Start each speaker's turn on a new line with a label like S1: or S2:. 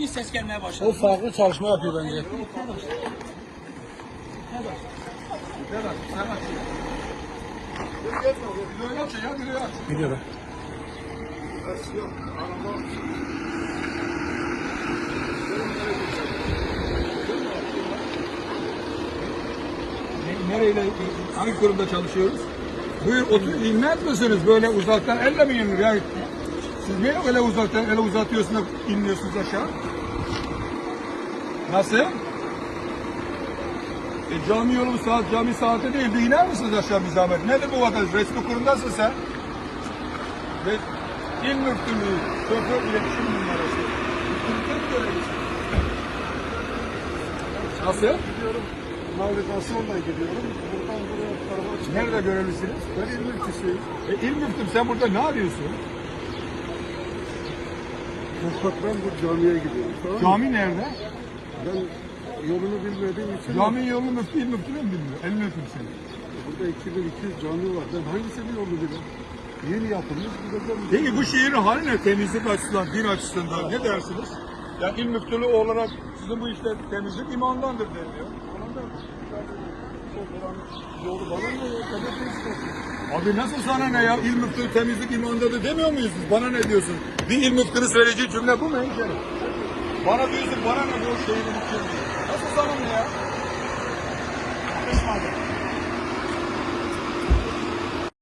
S1: bir ses gelmeye başladı.
S2: O farklı çalışma yapıyor bence. Gidiyor.
S3: Nereyle, hangi kurumda çalışıyoruz? Buyur otur, inmez misiniz böyle uzaktan elle mi inilir? Yani siz niye öyle uzaktan ele uzatıyorsunuz da inmiyorsunuz aşağı? Nasıl? Cami yolu saat, cami saati değil. Bir iner misiniz aşağı bir zahmet? Nedir bu vatandaş? Resmi kurumdasın sen. Ve İl Müftülüğü, şoför iletişim numarası. Müftülükte görevlisin. Nasıl?
S4: Gidiyorum. Navigasyonla gidiyorum. Buradan buraya tarafa çıkıyorum.
S3: Nerede görevlisiniz?
S4: Ben il müftüsüyüm.
S3: İl Müftüm sen burada ne arıyorsun?
S4: Ben bu camiye gidiyorum. Tamam mı?
S3: Cami nerede?
S4: Ben yolunu bilmediğim için
S3: Cami yolu müftü, il müftü mü bilmiyor? El müftüm seni.
S4: burada 2200 cami var. Ben hangisinin yolunu bilirim? Yeni yapılmış. Gideceğim.
S3: Peki bu şehrin hali ne? Temizlik açısından, din açısından ne dersiniz? Yani il müftülüğü olarak sizin bu işte temizlik imandandır deniliyor.
S4: Yolu bana mı?
S3: Abi nasıl sana ne ya? İl müftülüğü temizlik imandadır demiyor muyuz biz? Bana ne diyorsun? Bir il müftünün söyleyeceği cümle bu mu hemşerim? Bana diyorsun bana ne bu şehrin içinde? Nasıl sana ne ya? Yakışmadı.